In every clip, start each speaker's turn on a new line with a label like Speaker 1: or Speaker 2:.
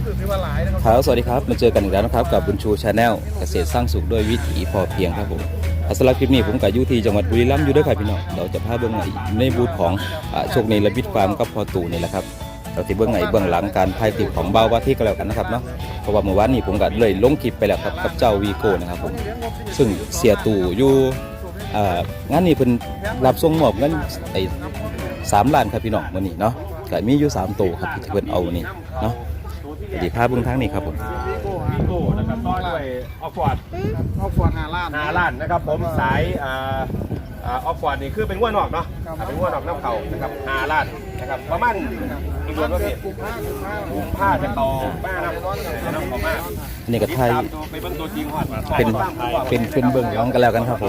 Speaker 1: ครับสวัสดีครับมาเจอกันอีกแล้วนะครับกับบุญชูชาแนลเกษตรสร้างสุขด้วยวิถีพอเพียงครับผมสำหรับคลิปนี้ผมกับยุที่จังหวัดบุรีรัมย์อยู่ด้วยครับพี่น้องเราจะพาเบื้องในบูธของโชคในระบิดฟาร์มกับพอตู่นี่แหละครับเราจะเบื้องหลังการพายติดของเบาว่าที่ก็แล้วกันนะครับเนาะเพราะว่าเมื่อวานนี้ผมก็เลยลงคลิปไปแล้วครับกับเจ้าวีโก้นะครับผมซึ่งเสียตู่อยู่งานนี้เพิ่นรับส่งมอบเงิน3 ล้านครับพี่น้องมื้อนี้เนาะก็มีอยู่3ตัวครับที่เพิ่นเอานี่เนาะดีภาพเบื้องทางนี้ครับผม
Speaker 2: วีโก้นะครับต่อด้วยออฟฟอร์ด5 ล้านนะครับผมสายออฟฟอร์ดนี่คือเป็นง้วนอกเนาะเป็นง้วนอกน้ำเข่านะครับ5 ล้านนะครับประมาณอีกเดือนก็กุมภาจะต่อบ้านน้ำของมาก
Speaker 1: นี่ก็ไทย
Speaker 2: ไปเบิ้งตัวจริงฮอด
Speaker 1: เป็นเบื้องหลังกันแล้วกันครับผม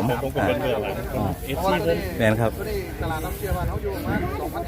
Speaker 1: แม่นครับ
Speaker 3: ตลาดน้ำเชื่อว่าเขาอยู่มา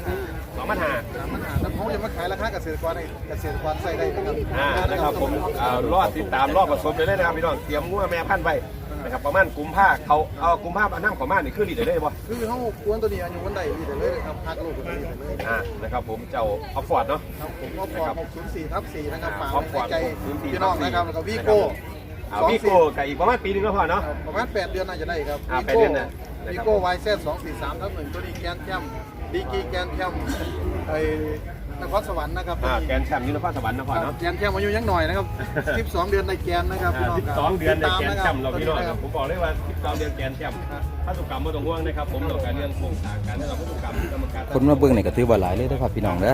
Speaker 3: 2,500แล้วเขาจะมาขายราคาเกษตรกรใส่ได้
Speaker 2: นะครับผมรอดติดตามรอบผสมเลยนะครับพี่น้องเตรียมงัวแม่พันธุ์ไว้นะครับประมาณกุมภาเขาเอากุมภาน้ำของมานี่คือดีได้บ่
Speaker 3: คือเขาควนตัวนี้อยู่วันใดดีได้เลยครับพักลูกตัวนี้ได้เลย
Speaker 2: นะครับผมเจ้าออฟฟอร์ดเนาะ
Speaker 3: ผมออฟฟอร์ด604/4นะครับฝากใจพี่น้องนะครับแล้วก็วีโก้
Speaker 2: วีโก้กับอีกประมาณปีนึงก็พอเนาะ
Speaker 3: ประมาณ8 เดือนน่าจะได้ครับวีโก้YZ 243/1ตัวนี้แกนแคมดีกีแกนแคมนครสวรรค์นะครับ
Speaker 2: แกนแชมป์ยุนครสวรรค์นครเนาะ
Speaker 3: แกนแชมป์อายุยังหน่อยนะครับ12 เดือนในแกนนะครับ
Speaker 2: 12 เดือนในแกนแชมป์เราพี่น้องผมบอกเลยว่า12 เดือนแกนแชมป์พันธุกรรมไม่ต้องห่วงนะครับผมต่อการเรื่องโครงสร้างการที่เราพันธุกรรมกรรมการ
Speaker 1: คนมาเบื้องในกระตือว่าหลายเลยนะครับพี่น้องเด้อ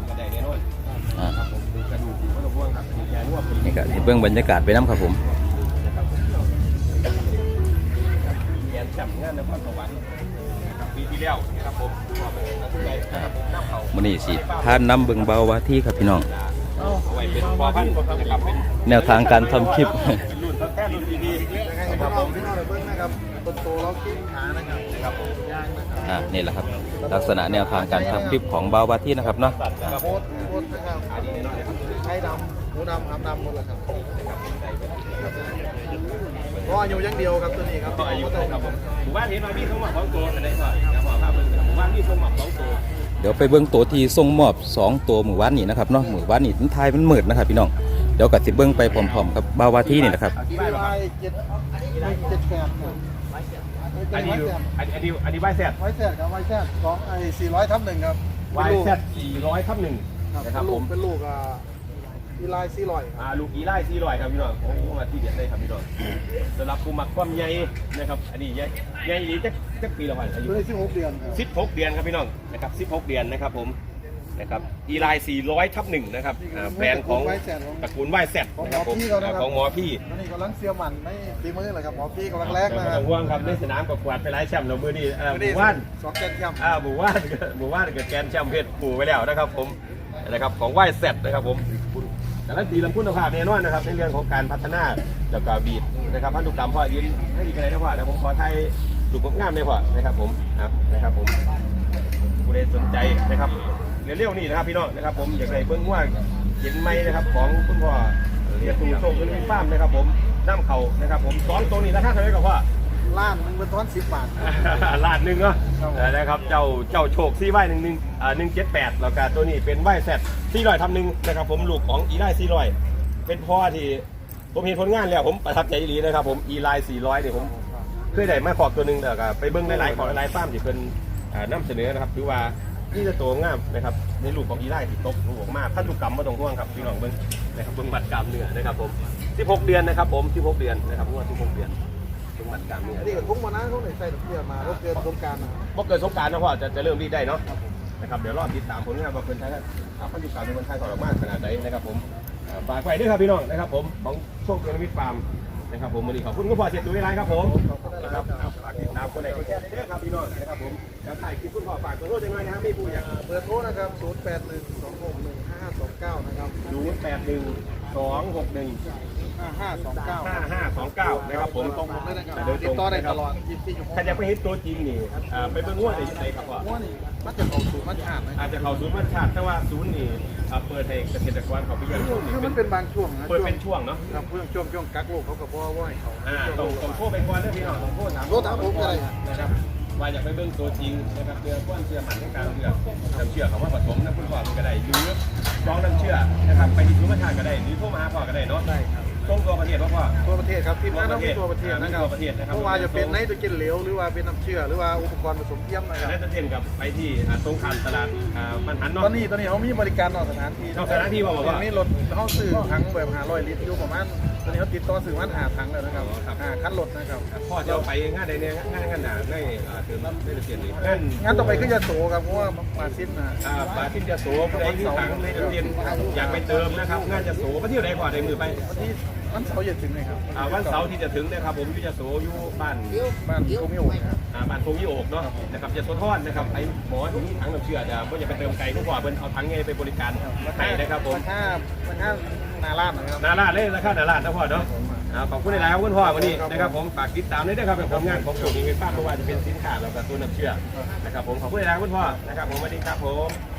Speaker 1: นี่ก็เบื้องบรรยากาศไปน้ำครับผม
Speaker 2: แกนแชมป์งานนครสวรรค์ปีที่แล้วนะครับผม
Speaker 1: มื้อนี้สิพาน้ำเบิ่งเบาว่าที่ครับพี่น้องแนวทางการทำคลิป
Speaker 3: นะครับผมนะครับต้นโตเรากินขานะครับ
Speaker 1: นี่แหละครับลักษณะแนวทางการทำคลิปของเบาว่าที่นะครับเนาะ
Speaker 3: โคตรนะครับไข่ดำหมูดำหามดำหมดเลยครับก็อายุยังเดียวครับตัวนี้ครับ
Speaker 2: อายุครับผมหมู่บ้านนี้มามีส่งมอบ2 ตัวอะไรก่อนครับหมู่บ้านมีส่งมอบ2 ตัว
Speaker 1: เดี๋ยวไปเบิ่งตัวที่ส่งมอบ2 ตัวหมู่บ้านนี้นะครับเนาะหมู่บ้านนี้ท้ายมันมืดนะครับพี่น้องเดี๋ยวก็สิเบิ่งไปพร้อมๆกับเบาว่าที่นี่นะครับ
Speaker 2: อันนี้ไวแซด
Speaker 3: ครับไวแซดของ400/1ครับ
Speaker 2: ไวแซด400/1
Speaker 3: นะครับผมเป็นลูกอีไล400
Speaker 2: ลูกอีไล400ครับพี่น้องโอ้มาที่เด็ดเลยครับพี่น้องสำหรับผู้มักความใหญ่นะครับอันนี้ใหญ่นี้จักปีละพันอายุ
Speaker 3: 16 เดือน
Speaker 2: 16 เดือนครับพี่น้องนะครับ16 เดือนนะครับผมนะครับอีไล400/1นะครับแบรนด์ของตระกูลไวแซด
Speaker 3: นะครับผม
Speaker 2: ของหมอพี่
Speaker 3: นี่กำลังเสียมันไม่ตีมือเลยครับหมอพี่กำลังแรกนะครับ
Speaker 2: ห่วงครับในสนามกับกวาดไปหลายแชมป์เรามือนี้หมู่บ้าน
Speaker 3: 2 แกนแชมป์
Speaker 2: หมู่บ้านกับแกนแชมป์เพชรปู่ไปแล้วนะครับผมนะครับของไวแซดนะครับผมแต่ละตีลำคุณภาพแน่นอนนะครับในเรื่องของการพัฒนาแล้วก็บีดนะครับพันธุกรรมพ่อยืนให้ดีกันเลยนะพ่อนะผมขอไทยดูงามเลยพ่อนะครับผมนะครับผมผู้ใดสนใจนะครับเร็วๆนี่นะครับพี่น้องนะครับผมอยากได้เบิ้งว่าเห็นไหมนะครับของคุณพ่อเรียกตูโซ่เป็นฟาร์มนะครับผมน้ำเข่านะครับผม2 ตัวนี้ราคาเท่าไหร่ครับพ่อ
Speaker 3: ล้านนึงเป็นท้อน10 บาท
Speaker 2: ล้านนึงเนาะนะครับเจ้าโชคซี่ไว้178แล้วก็ตัวนี้เป็นไวแซด400/1นะครับผมลูกของอีไล400เป็นพ่อที่ผมเห็นผลงานแล้วผมประทับใจดีนะครับผมอีไล400เนี่ยผมเคยได้มาขอบตัวนึงแล้วก็ไปเบิ้งหลายของหลายฟาร์มที่เป็นนำเสนอนะครับถือว่านี่จะโตงามนะครับในลูกของอีไลที่ตกลูกมากพันธุกรรมมาตรงห่วงครับพี่น้องเบิ้งนะครับเบิ้งบัตรกรรมเนื้อนะครับผม16 เดือนนะครับผม16 เดือนนะครับว่า16 เดือนบัตรกรรมเนี่ย
Speaker 3: นี่ก็ทุ่งมานะเขาใส่เสื้อมาก็เกินสงการนะ
Speaker 2: บ่เกินสงการนะพ่อจะเริ่มรีดได้เนาะนะครับเดี๋ยวรอติดตามผลงานว่าเพิ่นไทยพันธุกรรมในคนไทยของเรามากขนาดไหนนะครับผมฝากไว้ด้วยครับพี่น้องนะครับผมของโชคเพียงมิตรฟาร์มนะครับผมวันนี้ขอบคุณคุณพ่อเสร็จดูในไลน์ครับผมนะครับฝากติดตามคนไหนก็แค่ได้ครับพี่น้องนะครับผมแล้วถ่ายคลิปคุณพ่อฝากตัวโทษยังไงนะครับไม่พูดอย่าง
Speaker 3: เบอร์โทรนะครับ0812615529นะครับ
Speaker 2: 0812615529นะครับผมต้อง
Speaker 3: ติดต่อได้ตลอด
Speaker 2: ถ้าจะไปเห็นตัวจริงนี่ไปเบิ่งว่าในครับว่า
Speaker 3: มันจะเข้าศูนย์มันชาติ
Speaker 2: อาจจะเข้าศูนย์มันชาติแต่ว่าศูนย์นี่เปิดให้เกษตรกรเขาไปยังช่วงนี้
Speaker 3: คือมันเป็นบางช่วง
Speaker 2: เปิดเป็นช่วงเนาะ
Speaker 3: เพื่อช่วงกักโรคเขากับว่าให้เขา
Speaker 2: ต้องโทษไปก่อนนะพี่น้องต้องโทษถาม
Speaker 3: ผมอะไร
Speaker 2: นะครับว่าอยากไปเบิ่งตัวจริงนะครับเรือก้อนเชื่อหมันในการเลือกน้ำเชื่อเขาว่าผสมน้ำคุณพ่อก็ได้หรือร้องน้ำเชื่อนะครับไปที่ศูนย์ประชาก็ได้หรือโทรมาหาพ่อก็ได้เนาะ
Speaker 3: ได้ครับ
Speaker 2: ส่งตัวประเทศพ่อ
Speaker 3: ตัวประเทศครับทีมงานต้องมีตัวประเทศนะครับ
Speaker 2: ตัวประเทศนะครับ
Speaker 3: เพราะว่าจะเป็นไนโตรเจนเหลวหรือว่าเป็นน้ำเชื่อหรือว่าอุปกรณ์ผสมเทียมนะครับ
Speaker 2: ได้จะเทียนกับไปที่ตรงข้ามตลาดมันหันเนาะ
Speaker 3: ตอนนี้เขามีบริการนอกสถานที่
Speaker 2: นอกสถานที่บอกว่า
Speaker 3: มีรถเขาซื้อถังแบบ500 ลิตรอยู่ประมาณตอนนี้เขาติดต่อซื้อมัน5ถังแล้วนะครับคันรถนะครับ
Speaker 2: พ่อจะเอาไปงานใดเนี่ยงานหนาได้เติมได้เทียนนี่
Speaker 3: งานต่อไปก็จะโสครับเพราะว่ามาสิ้นนะ
Speaker 2: ปลาที่จะโสได้ที่ถังได้เทียนอยากไปเติมนะครับงานจะโสก็เที่ยวใดก่อนในมือไป
Speaker 3: วันเสาร์จะถึงเลยครับ
Speaker 2: วันเสาร์ที่จะถึงนะครับผมอยู่จะโสอยู่บ้าน
Speaker 3: โกมิโอครับ
Speaker 2: บ้านโพงยี่โอกเนาะนะครับจะโซทอนนะครับไอ้หมอที่นี่ถังน้ำเชื่อจะก็จะไปเติมไก่ทุกบ่อเพิ่นเอาถังไงไปบริการให้นะครับผม
Speaker 3: ราคานาลาดนะครับ
Speaker 2: นาลาดเลยราคานาลาดนะพ่อเนาะขอบคุณหลายๆครับคุณพ่อวันนี้นะครับผมฝากติดตามด้วยนะครับเป็นผลงานของโชคดีเงินฟ้าเพราะว่าจะเป็นสินค้าแล้วก็ตัวน้ำเชื่อนะครับผมขอบคุณหลายๆคุณพ่อนะครับผมสวัสดีครับผม